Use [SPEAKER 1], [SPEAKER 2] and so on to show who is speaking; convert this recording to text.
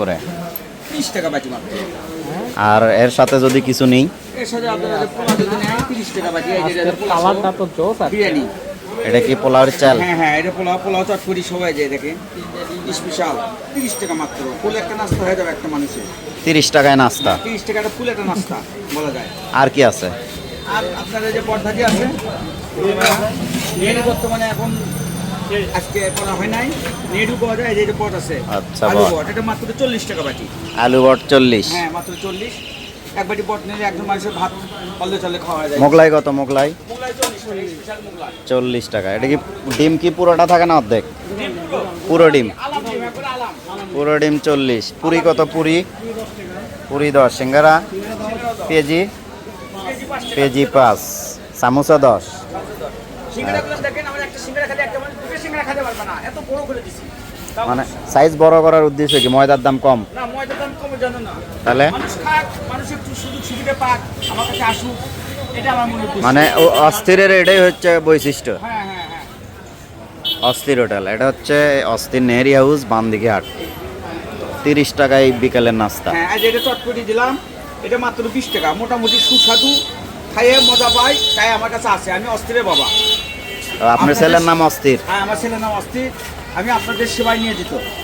[SPEAKER 1] করে?
[SPEAKER 2] 30 টাকা বাটি মাত্র।
[SPEAKER 1] আর এর সাথে যদি কিছু নেই?
[SPEAKER 2] এর সাথে আপনারা যে পোলা যদি নেন 30 টাকা বাটি। এই যে পোলা
[SPEAKER 3] কালারটা তো জোস আর
[SPEAKER 2] বিরিয়ানি।
[SPEAKER 1] এটা কি পোলাওয়ের চাল?
[SPEAKER 2] হ্যাঁ হ্যাঁ, এটা পোলাও চটপটি সবাই যায় দেখেন। স্পেশাল 30 টাকা মাত্র। ফুল একটা নাস্তা হয়ে যাবে একটা মানুষের।
[SPEAKER 1] 30 টাকায় নাস্তা?
[SPEAKER 2] 30 টাকাটা ফুল একটা নাস্তা বলা যায়।
[SPEAKER 1] আর কি আছে?
[SPEAKER 2] আর আপনাদের যে পটভাজি আছে, নেড়ু বর্তমানে এখন আজকে করা হয় নাই। নেড়ু পাওয়া যায়, এই যে পট আছে।
[SPEAKER 1] আচ্ছা,
[SPEAKER 2] আলু
[SPEAKER 1] বট।
[SPEAKER 2] পট, এটা মাত্র 40 টাকা বাটি।
[SPEAKER 1] আলু বট 40?
[SPEAKER 2] হ্যাঁ মাত্র 40। এক বাটি পট নিলে একজন মানুষের ভাত পাল্লে চালে খাওয়া যায়।
[SPEAKER 1] মোগলাই কত? মোগলাই
[SPEAKER 2] মোগলাই 40 টাকা, স্পেশাল মোগলাই।
[SPEAKER 1] 40 টাকা। এটা কি ডিম কি পুরোটা থাকে না অর্ধেক? পুরো ডিম?
[SPEAKER 2] আলাম ডিম, একবারে আলাম।
[SPEAKER 1] পুরো ডিম 40। পুরি কত? পুরি 10। সিঙ্গারা পেঁয়াজি
[SPEAKER 2] কেজি 5 টাকা।
[SPEAKER 1] পেঁয়াজি 5। সামোসা 10।
[SPEAKER 2] সিঙ্গারাগুলো দেখেন, আমরা একটা সিঙ্গারা খেতে একটা মানুষ দুটো সিঙ্গারা খেতে পারবে না, এত বড় করে দিছি।
[SPEAKER 1] মানে সাইজ বড় করার উদ্দেশ্য কি? ময়দার দাম কম?
[SPEAKER 2] না, ময়দার দাম কমে জানো না।
[SPEAKER 1] তাহলে
[SPEAKER 2] মানুষ খাক, মানুষ একটু সুযোগ সুবিধা পাক, আমার কাছে আসুক, এটা আমার মনে উদ্দেশ্য।
[SPEAKER 1] মানে অস্থিরের এটাই হচ্ছে বৈশিষ্ট্য।
[SPEAKER 2] হ্যাঁ হ্যাঁ হ্যাঁ।
[SPEAKER 1] অস্থির হোটেল, এটা হচ্ছে অস্থির নেহরি হাউস, বামদিকে হাট। 30 টাকায় বিকেলের নাস্তা।
[SPEAKER 2] হ্যাঁ, আজ এটা চটপটি দিলাম, এটা মাত্র 20 টাকা। মোটামুটি সুস্বাদু, খাইয়ে মজা পাই, তাই আমার কাছে আছে। আমি অস্থিরের বাবা।
[SPEAKER 1] আপনার ছেলের নাম অস্থির?
[SPEAKER 2] হ্যাঁ, আমার ছেলের নাম অস্থির। আমি আপনাদের সেবায় নিয়ে যেত।